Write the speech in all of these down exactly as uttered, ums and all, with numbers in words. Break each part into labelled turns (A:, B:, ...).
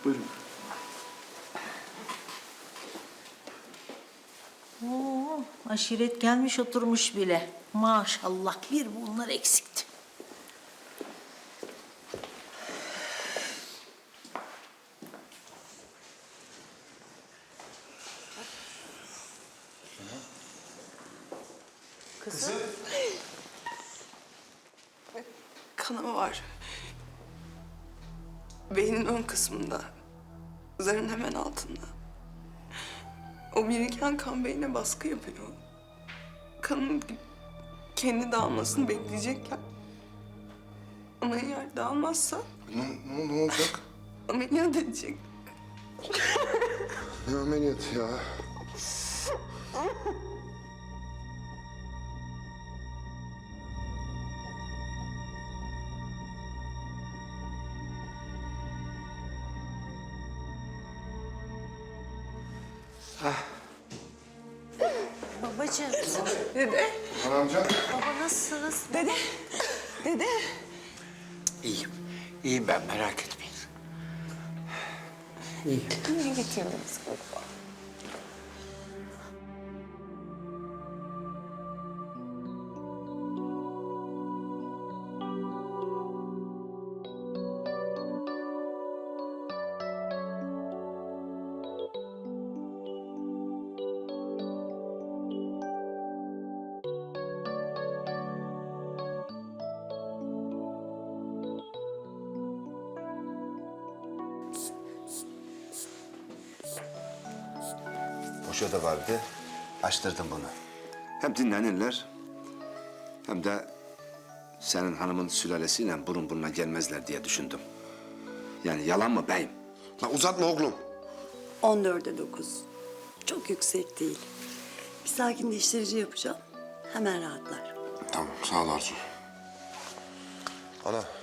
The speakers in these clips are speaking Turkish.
A: Buyurun.
B: Oo, aşiret gelmiş oturmuş bile. Maşallah bir bunlar eksikti. Kızım.
C: Kanama var. Beynin ön kısmında. Zarın hemen altında. O biriken kan beyne baskı yapıyor. Kanın kendi dağılmasını bekleyecekken. Ama eğer dağılmazsa
A: Ne, ne, ne olacak?
C: ameliyat edecek.
A: Ne ameliyatı ya?
B: Babacığım.
C: Dede,
A: Anamcan.
B: Baba nasılsınız?
C: dede, dede.
D: İyiyim. İyiyim ben, merak etmeyin.
C: Niye getirdiniz baba?
E: Boşa da vardı. Açtırdım bunu. Hem dinlenirler hem de senin hanımın sülalesiyle burun buruna gelmezler diye düşündüm. Yani yalan mı beyim?
A: La uzatma oğlum.
F: on dörde dokuz. Çok yüksek değil. Bir sakinleştirici yapacağım. Hemen rahatlar.
A: Tamam sağ ol Arzu. Ana.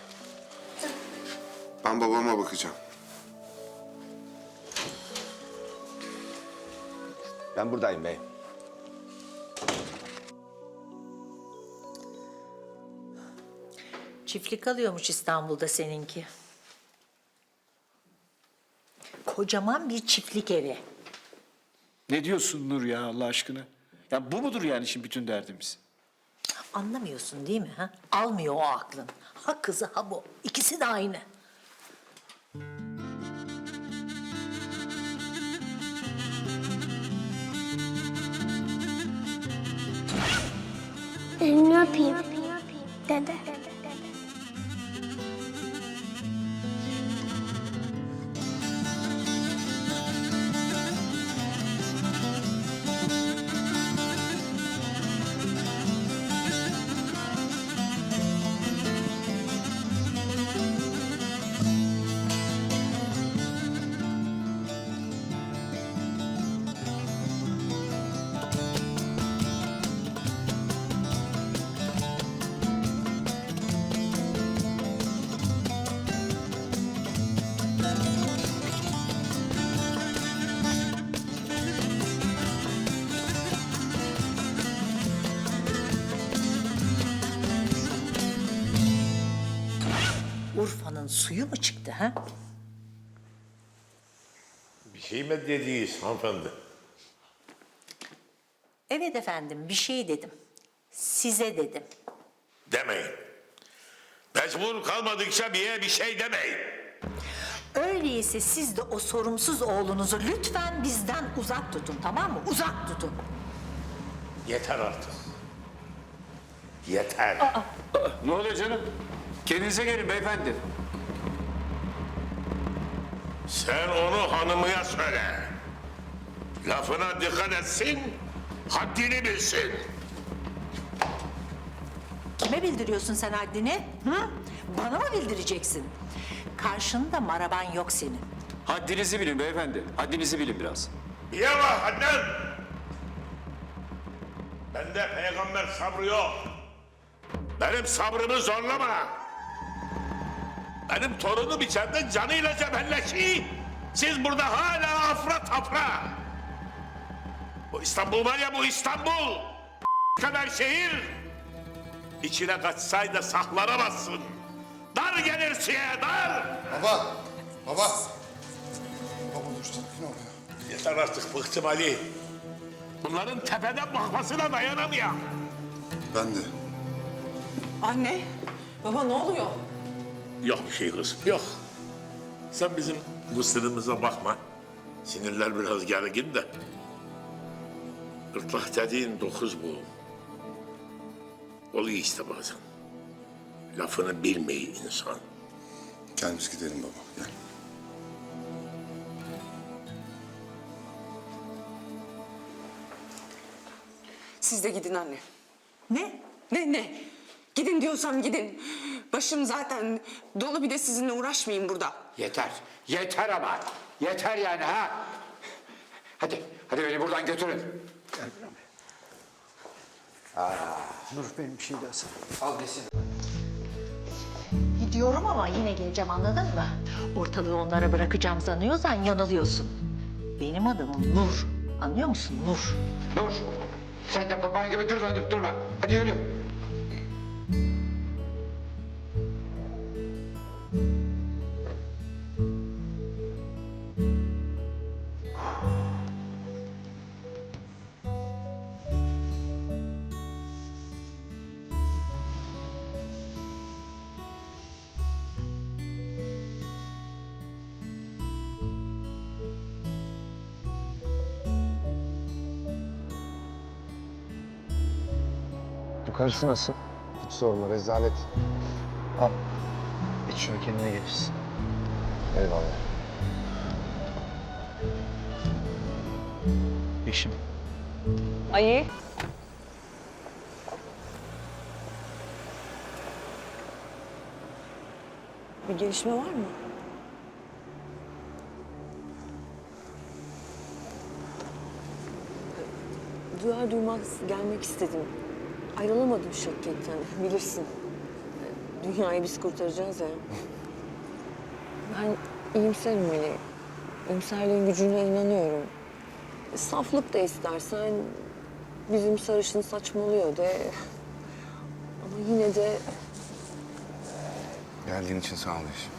A: Ben babama bakacağım.
E: Ben buradayım beyim.
B: Çiftlik alıyormuş İstanbul'da seninki. Kocaman bir çiftlik evi.
G: Ne diyorsun Nur ya Allah aşkına? Ya bu mudur yani şimdi bütün derdimiz?
B: Anlamıyorsun değil mi? Ha? Almıyor o aklın. Ha kızı ha bu. İkisi de aynı.
H: Elini öpeyim. Dede.
B: Urfa'nın suyu mu çıktı ha?
I: Bir şey mi dediniz hanımefendi?
B: Evet efendim bir şey dedim. Size dedim.
I: Demeyin. Mecbur kalmadıkça bir yere bir şey demeyin.
B: Öyleyse siz de o sorumsuz oğlunuzu lütfen bizden uzak tutun, tamam mı? Uzak tutun.
I: Yeter artık. Yeter.
G: Ne oluyor canım? Kendinize gelin beyefendi.
I: Sen onu hanımıya söyle. Lafına dikkat etsin, haddini bilsin.
B: Kime bildiriyorsun sen haddini? Hı? Bana mı bildireceksin? Karşında maraban yok senin.
G: Haddinizi bilin beyefendi. Haddinizi bilin biraz.
I: Niye var hadden? Bende peygamber sabrı yok. Benim sabrımı zorlama. Benim torunum içeride canıyla cebelleşiyor. Siz burada hala afra tafra. Bu İstanbul var ya, bu İstanbul. kadar şehir. İçine kaçsaydı saklanamazsın. Dar gelir siye, dar.
A: Baba. Baba. Sakin ol ya.
I: Yeter artık bıktım Ali. Bunların tepeden bakmasına dayanamıyor.
A: Ben de.
C: Anne, baba ne oluyor?
I: Yok bir şey kızım, yok. Sen bizim bu sınırımıza bakma. Sinirler biraz gergin de. Gırtlak dediğin dokuz bu. Oluyor işte bazen. Lafını bilmeyi insan.
A: Gel biz gidelim baba, gel.
C: Siz de gidin anne.
B: Ne?
C: Ne ne? Gidin diyorsam gidin. Başım zaten dolu, bir de sizinle uğraşmayayım burada.
D: Yeter. Yeter ama. Yeter yani ha. Hadi. Hadi beni buradan götürün.
G: Nur benim bir şey daha sana.
D: Al desin.
B: Gidiyorum ama yine geleceğim, anladın mı? Ortalığı onlara bırakacağım sanıyorsan yanılıyorsun. Benim adımım Nur. Anlıyor musun? Nur.
D: Dur. Sen de baban gibi dur dönüp durma. Hadi yürü.
E: Yukarısı nasıl? Hiç sorma, rezalet.
G: Al. İç şunu, kendine gelirsin.
E: Eyvallah.
G: Yeşim.
C: Ayı. Bir gelişme var mı? Duyar duymaz gelmek istedim. Ayrılamadım şirketten, bilirsin. Dünyayı biz kurtaracağız ya. Ben iyimserim Melih. İyimserliğin gücüne inanıyorum. Saflık da istersen bizim sarışın saçmalıyor de. Ama yine de
A: Geldiğin için sağ ol Yeşim.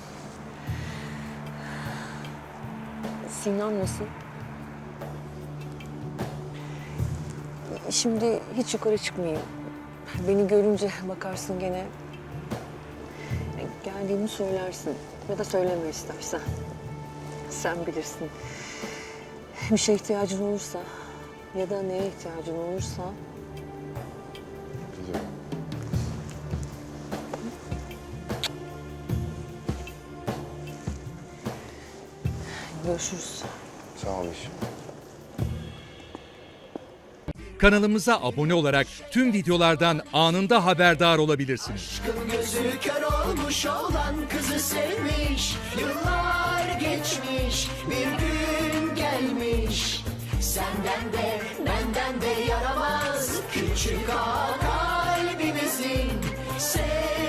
C: Sinan nasıl? Şimdi hiç yukarı çıkmayayım. Beni görünce bakarsın gene. Geldiğimi söylersin. Ya da söyleme istersen. Sen bilirsin. Bir şeye ihtiyacın olursa ya da neye ihtiyacın olursa
A: Biliyorum.
C: görüşürüz.
A: Sağ ol Yeşim.
J: Kanalımıza abone olarak tüm videolardan anında haberdar olabilirsiniz.
K: Gözü kör olmuş olan kızı sevmiş. Yıllar geçmiş, bir gün gelmiş. Senden de benden de yaramaz küçük ağa kalbimizin.